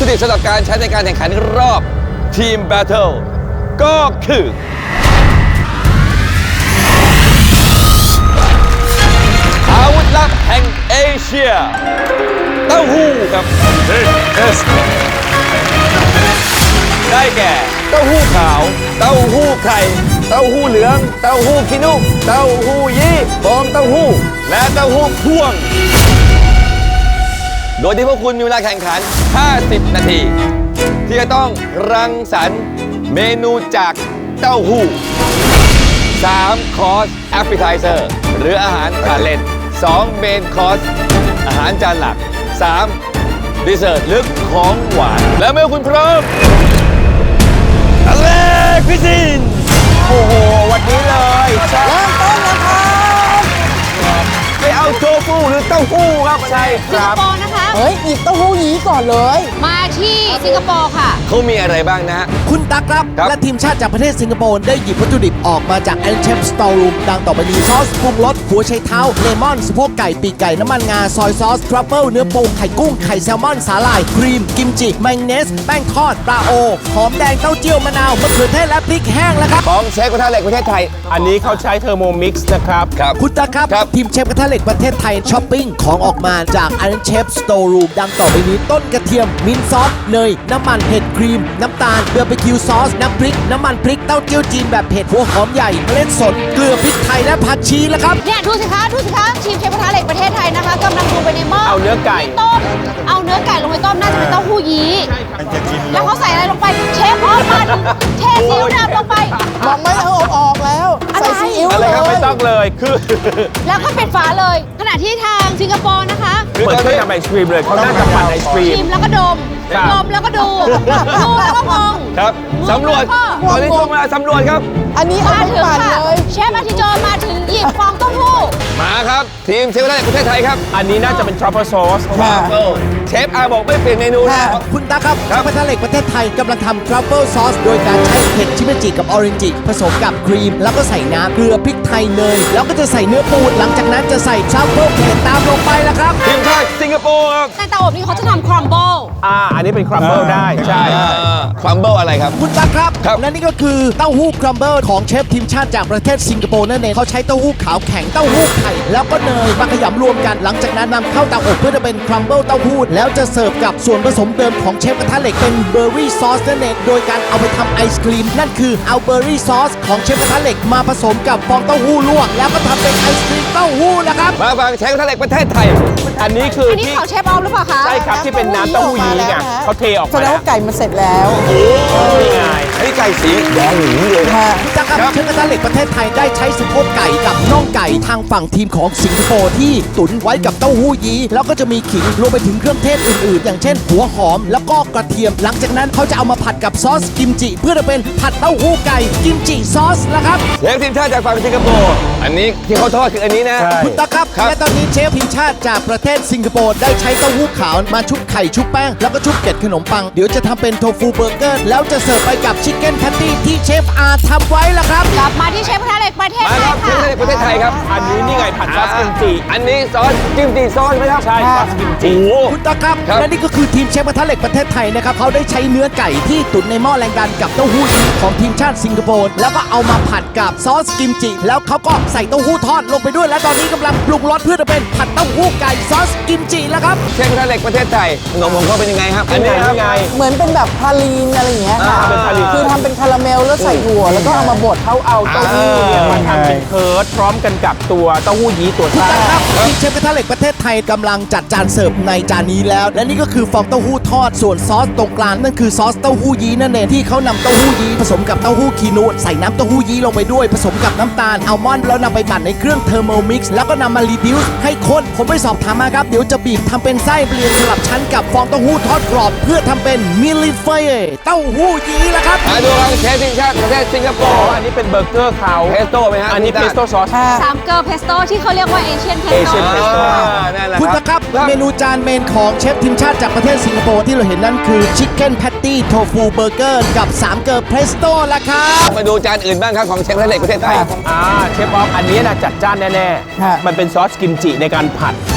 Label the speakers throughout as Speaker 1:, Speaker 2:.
Speaker 1: ดิบสำหรับการใช้ในการแข่งขันรอบทีมแบทเทิลก็คืออาวุธลับแห่งเอเชียเต้าหู้ครับได้แก่เต้าหู้ขาวเต้าหู้ไข่เต้าหู้เหลืองเต้าหู้ขี้นุ่มเต้าหู้ยี้ฟองเต้าหู้และเต้าหู้พ่วงโดยที่พวกคุณมีเวลาแข่งขัน50 นาทีที่จะต้องรังสรรค์เมนูจากเต้าหู้3 คอร์สแอปเปิลไทเซอร์หรืออาหารทานเล่น2 เมนคอร์สอาหารจานหลัก3 ดิเซอร์ตหรือของหวานและเมื่อคุณพร้อมอเล็กพิซินโอ้โหวันนี้เลยเริ่มต้นแล้วครับไปเอาโชฟูหรือเต้าหู้ครับใช่ค
Speaker 2: สิง
Speaker 1: รั
Speaker 2: ค
Speaker 1: บ
Speaker 2: โปร์นะคะ
Speaker 3: เฮ้ยหยิบเต้าหู้ยี้ก่อนเลย
Speaker 2: มาที่สิงคโปร์ค่ะ
Speaker 1: เขามีอะไรบ้างนะฮะ
Speaker 4: คุณตั๊กครับ
Speaker 1: ครับ
Speaker 4: และทีมชาติจากประเทศสิงคโปร์ได้หยิบวัตถุดิบออกมาจาก Iron Chef Store Room ดังต่อไปนี้ซอสปรุงรสหัวไชเท้าเลมอนสะโพกไก่ปีกไก่น้ำมันงาซอยซอสทรัฟเฟิลเนื้อปูไข่กุ้งไข่แซลมอนสาหร่ายครีมกิมจิมายองเนสแป้งทอดปลาโอหอมแดงเต้าเจี้ยวมะนาวมะเขือเทศและพริกแห้งแล้วครับ
Speaker 1: ของเชฟกระทะเหล็กประเทศไทย
Speaker 5: อันนี้เขาใช้เทอร์โมมิกซ์นะครับ
Speaker 1: ครับ
Speaker 4: คุณตั๊กครับ
Speaker 1: ครับ
Speaker 4: ทีมเชฟกระทะเหล็กประเทศไทยช้อปปิ้งของออกมาจาก Iron Chef Store Room ดังต่อไปนี้ต้นกระเทียมมินท์ซอสเนยน้ำมันเห็ดครีมน้ำตาลเบอร์บีคิวซอสน้ำพริกน้ำมันพริกเต้าเจี้ยวจีนแบบเผ็ดหัวหอมใหญ่เมล็ดสนเกลือพริกไทยและผักชีแล้วครับ
Speaker 2: เนี่ยดูสิคะทีมเชฟกระทะเหล็กประเทศไทยนะคะกำลังดูไปในหม้อ
Speaker 5: เอาเนื้อไก่
Speaker 2: ต้มเอาเนื้อไก่ลงไปต้มน่าจะเป็นเต้าหู้ยี้แล้วเขาใส่อะไรลงไปเชฟพร้อมมันเทซีอิ๊วดำลงไป
Speaker 3: บอกไม่เอาออกแล้ว
Speaker 2: อะไร
Speaker 3: ใส่ซีอิ๊ว
Speaker 5: อะไร
Speaker 3: เลย
Speaker 5: ครับไม่ต้องเลย คือ
Speaker 2: แล้วก็ปิดฝาเลย ขณะที่ทางสิงคโปร์นะคะ
Speaker 5: เปิดเครื่องทำไอศครีมเลยเขาน่าจะปั่นไอศครี
Speaker 2: ชิ
Speaker 5: ม
Speaker 2: มแล้วก็ดม
Speaker 5: ครับ
Speaker 2: ดมแล้วก็ดูแล้วก็มอง
Speaker 1: ครับสำรวจตอนนี้ช่วงเวลาสำรวจครับ
Speaker 3: อันนี้เอา
Speaker 2: มา
Speaker 3: ไป
Speaker 2: ถึง
Speaker 3: ปั่น
Speaker 2: ค่ะ
Speaker 3: เลย
Speaker 2: เชฟอาทิโจมาถึงหยิบฟองเต้าหู้
Speaker 1: มาครับ ทีมเชฟกระทะเหล็กประเทศไทยครับ
Speaker 5: อันนี้น่าจะเป็นทรัฟเฟิลซอส
Speaker 1: เชฟอาบอกไม่เปลี่ยนเมนูนะ
Speaker 4: คุณตาครับ
Speaker 1: ครับ
Speaker 4: เชฟกระทะเหล็กประเทศไทยกำลังทำทรัฟเฟิลซอสโดยการใช้เห็ดชิเมจิกับออเรนจิผสมกับครีม แล้วก็ใส่น้ำเกลือพริกไทยเนยแล้วก็จะใส่เนื้อปูหลังจากนั้นจะใส่ทรัฟเฟิลเผ็ดตามลงไปแล้วครับ
Speaker 1: ทีมชาติสิงคโปร์ครับ
Speaker 2: ในเตาอบนี่เขาจะทำครัมเบิล
Speaker 5: อันนี้เป็นครัมเบิลได้ ใช่
Speaker 1: ครัมเบิลอะไรครับ
Speaker 4: คุณตั๊กครับ
Speaker 1: ครับ
Speaker 4: และนี่ก็คือเต้าหู้ครัมเบิลของเชฟทีมชาติจากประเทศสิงคโปร์นั่นเองเขาใช้เต้าหู้ขาวแข็งเต้าหู้ไข่แล้วก็เนยมาขยำรวมกัน หลังจากนั้นนำเข้าเตาอบเพื่อจะเป็นครัมเบิลเต้าหู้แล้วจะเสิร์ฟกับส่วนผสมเดิมของเชฟกระทะเหล็กเป็นเบอร์รี่ซอสนั่นเองโดยการเอาไปทำไอศครีมนั่นคือเอาเบอร์รี่ซอสของเชฟกระทะเหล็กมาผสมกับฟองเต้าหู้ลวกแล้วก็ทำเป็นไอศครีมเต้าหู้นะครับ
Speaker 1: มาฟังเชฟกระทะเหล็กประเทศไทย
Speaker 5: อันนี้คือ
Speaker 2: อันนี้
Speaker 5: ที่
Speaker 2: ของเชฟออฟหรือเปล่าคะ
Speaker 5: ใช่ครับที่เป็นน้ำเต้าหู้ยี้ไงเขาเทออก
Speaker 3: แส
Speaker 5: มา
Speaker 3: ดง
Speaker 5: แล้ว
Speaker 3: ว่าไก่มันเสร็จแล้ว
Speaker 5: นี่ไง
Speaker 1: อันนี้ไก่สีแดงหนีเลย
Speaker 3: ค่ะ
Speaker 4: จากการเชฟกระทะเหล็กประเทศไทยได้ใช้สะโพกไก่กับน่องไก่ทางฝั่งทีมของสิงคโปร์ที่ตุ๋นไว้กับเต้าหู้ยี้แล้วก็จะมีขิงรวมไปถึงเครื่องเทศอื่นๆ อย่างเช่นหัวหอมแล้วก็กระเทียม หลังจากนั้นเขาจะเอามาผัดกับซอสกิมจิ เพื่อจะเป็นผัดเต้าหู้ไก่กิมจิซอสนะครับ
Speaker 1: เชฟทีมชาติจากฝั่งสิงคโปร์อันนี้ที่เขาทอดคืออันนี้นะ
Speaker 5: ใช่
Speaker 4: คุณตาครับ
Speaker 1: ครับ
Speaker 4: และตอนนี้เชฟทีมชาติจากประเทศสิงคโปร์ได้ใช้เต้าหู้ขาวมาชุบไข่ชุบแป้งแล้วก็ชุบเกล็ดขนมปังเดี๋ยวจะทำเป็นโทฟูเบอร์เกอร์แล้วจะเสิร์ฟไปกับชิคเก้นแพตตี้ที่เชฟอาทำไว้ละครับ
Speaker 2: กลับมาที่เชฟกระทะเหล็กประเทศ
Speaker 1: มา
Speaker 2: ไท
Speaker 1: ค
Speaker 2: ย
Speaker 1: รับเชฟ
Speaker 2: ค่ะ
Speaker 1: กระทะเหล็กประเทศไทยครับ
Speaker 5: อันนี้นี่ไงผัดซอสกิมจิ
Speaker 1: อันนี้ซอสกิมจิซอสไหมครับ
Speaker 5: ใช่ซอสกิมจิ
Speaker 4: คุณตาครับ
Speaker 1: ครับ
Speaker 4: และนี่ก็คือทีมเชฟกระทะเหล็กประเทศไทยนะครับเขาได้ใช้เนื้อไก่ที่ตุ๋นในหม้อแรงดันกับเต้าหู้ยี้ของทีมชาติสิงคโปร์แล้วก็เอามาผัดกับซอสกิมจิ แล้วเขาก็ใส่เต้าหู้ทอดลงไปด้วย และตอนนี้กำลังปรุงรสเพื่อจะเป็นผัดเต้าหู้ไก่ซอสกิมจิแล้วครับ
Speaker 1: เชฟกระทะเหล็กประเทศไทยขนมของเขาเป็นยังไงครับ อันนี้ครับ
Speaker 5: นี่ไง
Speaker 3: เหมือนเป็นแบบพาลีนอะไรอย่างเงี้ยค่ะ
Speaker 5: เป็นพาลีน
Speaker 3: คือทำเป็นคาราเมลแล้วใส่ถั่วแล้วก็เอามาบด
Speaker 5: เขาเอาเต้าหู้เนี่ยมาทำเป็นเคิร์ดพร้อมกันกับตัวเต้าหู้ยี้ตัวซ่า
Speaker 4: ครับทีมเชฟกระทะเหล็กประเทศไทยกำลังจัดจานเสิร์ฟในจานนี้แล้ว และนี่ก็คือฟองเต้าหู้ทอดส่วนซอสตรงกลางนั่นคือซอสเต้าหู้ยี้นั่นเองที่เขานำเต้าหู้ยี้ผสมกับเต้าหู้คีนูใส่น้ำเต้าหู้ยี้ลงไปด้วยผสมกับน้ำตาลอัลมอนด์แล้วนำไปปั่นในเครื่องเทอร์โมมิกซ์แล้วก็นำมารีดิวส์ให้ข้นผมไปสอบถามมาครับเดี๋ยวจะบีบทำเป็นไส้เรียงสลับชั้นกับฟองเต้าหู้ทอดกรอบเพื่อทำเป็นมิลลิเฟยเต้าหู้ยี้ละครับ
Speaker 1: มาดูครับเชฟทีมชาติประเทศสิงคโปร์
Speaker 5: อันนี้เป็นเบอร์เกอร์เขา
Speaker 1: เพสโต้ไหมฮะ
Speaker 5: อันนี้เพสโต้ซอส
Speaker 2: สามเกิร์ลเพสโต้ที่เขาเรียกว่าเอเชียนเพส
Speaker 5: Asian
Speaker 2: โต้
Speaker 5: pesto
Speaker 1: นั่นแหละ
Speaker 4: คุณ
Speaker 1: ค
Speaker 4: ตะ
Speaker 1: รับ
Speaker 4: ครับเมนูจานเมนของเชฟทีมชาติจากประเทศสิงคโปร์ที่เราเห็นนั่นคือชิคเก้นแพตตี้โทฟูเบอร์เกอร์กับ3เกิร์ลเพสโต้ละครับ
Speaker 1: มาดูจานอื่นบ้างครับของเชฟกระทะเหล็กประเทศไทย
Speaker 5: เชฟบอฟอันนี้นะจัดจ้านแน่
Speaker 3: ค่ะ
Speaker 5: ๆ มันเป็นซอสกิมจิในการผัด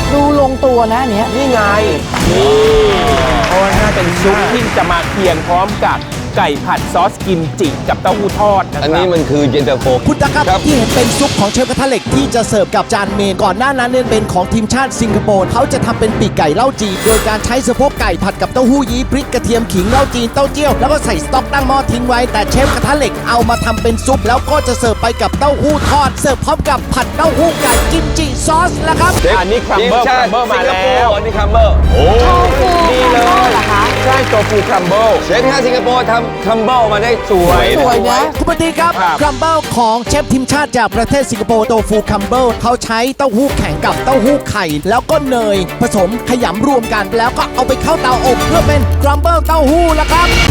Speaker 3: ดูลงตัวนะอันเนี้ย
Speaker 5: นี่ไงนี่เพราะว่าน่าเป็นซุปที่จะมาเคียงพร้อมกับไก่ผัดซอสกิมจิกับเต้าหู้ทอดนะครับ
Speaker 1: อันนี้มันคือเย็นตาโฟ
Speaker 4: คุณตาครับ
Speaker 1: ครับ
Speaker 4: ที่เห็นเป็นซุปของเชฟกระทะเหล็กที่จะเสิร์ฟกับจานเมนก่อนหน้านั้นเนี่ยเป็นของทีมชาติสิงคโปร์เขาจะทำเป็นปีกไก่เล่าจีนโดยการใช้สะโพกไก่ผัดกับเต้าหู้ยี้พริกกระเทียมขิงเล่าจีนเต้าเจี้ยวแล้วก็ใส่สต๊อกตั้งหม้อทิ้งไว้แต่เชฟกระทะเหล็กเอามาทำเป็นซุปแล้วก็จะเสิร์ฟไปกับเต้าหู้ทอดเสิร์ฟพร้อมกับผัดเต้าหู้ไก่กิมจิซอสแล้วครับ
Speaker 5: อันนี้ครัมเบิล
Speaker 1: ทีชาติ
Speaker 5: มา
Speaker 1: สิงคโป
Speaker 5: แล้ว
Speaker 1: ร์อันนี้คัมเบอร์โอ้
Speaker 2: โชฟู
Speaker 5: นี่เลย
Speaker 2: เหรอคะ
Speaker 5: ใช่โตฟูครัมเบิล
Speaker 1: เชฟที่สิงคโปร์ทำคัมเบอร์มาได้สวย
Speaker 3: สวยนะ
Speaker 4: คุณปฏิครับ
Speaker 5: ครับ
Speaker 4: ครัมเบิลของเชฟทีมชาติจากประเทศสิงคโปร์โตฟูครัมเบิลเขาใช้เต้าหู้แข็งกับเต้าหู้ไข่ แล้วก็เนยผสมขยำรวมกัน แล้วก็เอาไปเข้าเตาอบเพื่อเป็นครัมเบิลเต้าหู้แล้วครับ